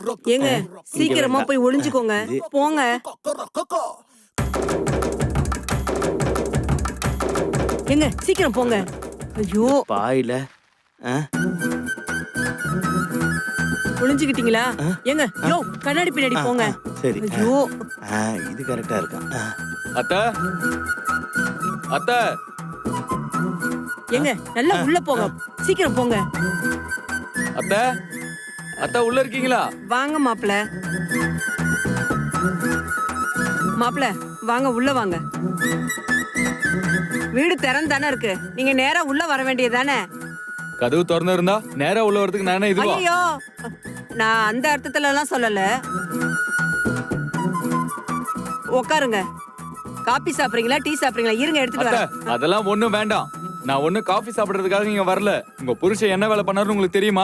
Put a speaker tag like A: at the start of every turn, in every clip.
A: ஏங்க சீக்கிரமா போய் ஒளிஞ்சுக்கோங்க போங்க. ஏங்க சீக்கிரம் போங்க. ஐயோ
B: பாயில
A: ஒளிஞ்சுக்கிட்டீங்களா? ஏங்க யோ கண்ணாடி பின்னாடி போங்க.
B: சரி.
A: ஐயோ
B: இது கரெக்டா இருக்கா?
C: அத்தை அத்தை
A: ஏங்க நல்லா உள்ள போங்க. சீக்கிரம் போங்க.
C: அத்தை அத்தை உள்ள இருக்கீங்களா?
A: வாங்க மாப்பிள. மாப்பிள வாங்க உள்ள வாங்க. வீடு திறந்தானே இருக்கு. நீங்க நேரா உள்ள வர வேண்டியதானே?
C: கதவு திறந்து இருந்தா நேரா உள்ள வரதுக்கு நானே இதுவா?
A: ஐயோ நான் அந்த அர்த்தத்துல எல்லாம் சொல்லல. உட்காருங்க. காபி சாப்பிடுறீங்களா டீ சாப்பிடுறீங்களா? இருங்க எடுத்துட்டு
C: அத்தை
A: வரேன்.
C: அதெல்லாம் ஒண்ணும் வேண்டாம். நான் ஒண்ணு காஃபி சாப்பிடுறதுக்காக இங்க வரல. உங்க புருஷன் என்ன வேலை பண்ணாருன்னு உங்களுக்கு தெரியுமா?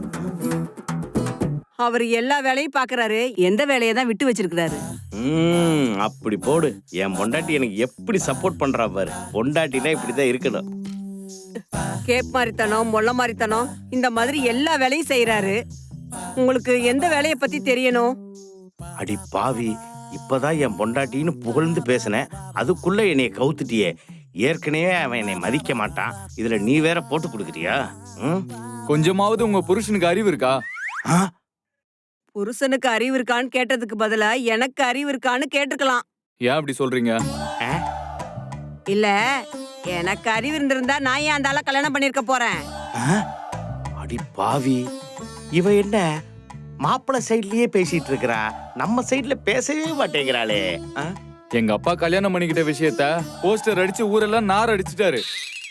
A: அவர் எல்லா வேலையும் பாக்குறாரு. எந்த வேலையை தான் விட்டு வச்சிருக்கிறாரு?
B: அப்படி போடு. என் பொண்டாட்டி எனக்கு எப்படி சப்போர்ட் பண்றா பாரு. பொண்டாட்டினா இப்படிதான் இருக்கணும்.
A: கேப் மாதிரித்தனம் மொள்ள மாதிரித்தனம் இந்த மாதிரி எல்லா வேலையும் செய்யறாரு. உங்களுக்கு எந்த வேலையை பத்தி தெரியணும்?
B: அடி பாவி, இப்பதான் என் பொண்டாட்டின்னு புகழ்ந்து பேசினேன், அதுக்குள்ள என்னைய கவுத்துட்டியே. ஏற்கனவே அவன் என்னை மதிக்க மாட்டான், இதுல நீ வேற போட்டு கொடுக்குறியா?
C: கொஞ்சமாவது உங்க புருஷனுக்கு அறிவு இருக்கா?
A: புருஷனுக்கு அறிவு இருக்கான்னு கேட்டதுக்கு பதிலா எனக்கு அறிவு இருக்கான்னு கேட்டிருக்கலாம்.
C: ஏன் அப்படி சொல்றீங்க?
A: இல்ல எனக்கு அறிவு இருந்திருந்தா நான் ஏன் அந்த ஆளை கல்யாணம் பண்ணிருக்க போறேன்?
B: அடி பாவி, இவ என்ன மாப்பிள்ளை சைட்லயே பேசிட்டு இருக்கிறா, நம்ம சைட்ல பேசவே மாட்டேங்கிறாளே.
C: எங்க அப்பா கல்யாணம் பண்ணிக்கிட்ட விஷயத்த போஸ்டர் அடிச்சு ஊரெல்லாம் நார் அடிச்சுட்டாரு.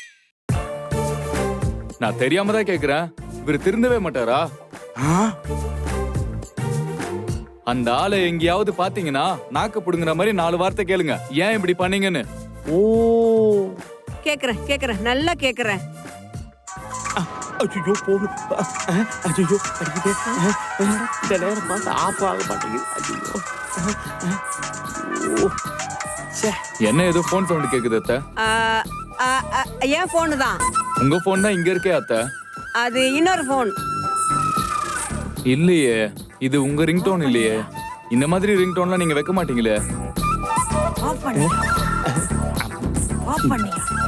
C: நான் தெரியாம தான் கேக்குறேன், இவரு திருந்தவே மாட்டாரா? அந்த ஆளை எங்கேயாவது பாத்தீங்கன்னா நாக்க புடுங்குற மாதிரி 4 வார்த்தை கேளுங்க, ஏன் இப்படி பண்ணீங்கன்னு.
B: ஓ
A: கேக்குறேன் கேக்குறேன் நல்லா கேக்குறேன்.
B: ஐயோ போடு. ஐயோ அடிக்கிட்டே. இந்த நேரம் பார்த்து ஆஃப் ஆக மாட்டேங்குது. ஐயோ
C: என்ன ஏதோ போன் சவுண்ட் கேக்குது அத்தை?
A: என் போனு தான்.
C: உங்க போன் தான் இங்க இருக்கே அத்தை.
A: அது இன்னொரு போன்.
C: இல்லையே, இது உங்க ரிங்டோன் இல்லையே. இந்த மாதிரி ரிங்டோன்லாம் நீங்க வைக்க மாட்டீங்களே.
A: ஆஃப் பண்ணி ஆஃப் பண்ணியா?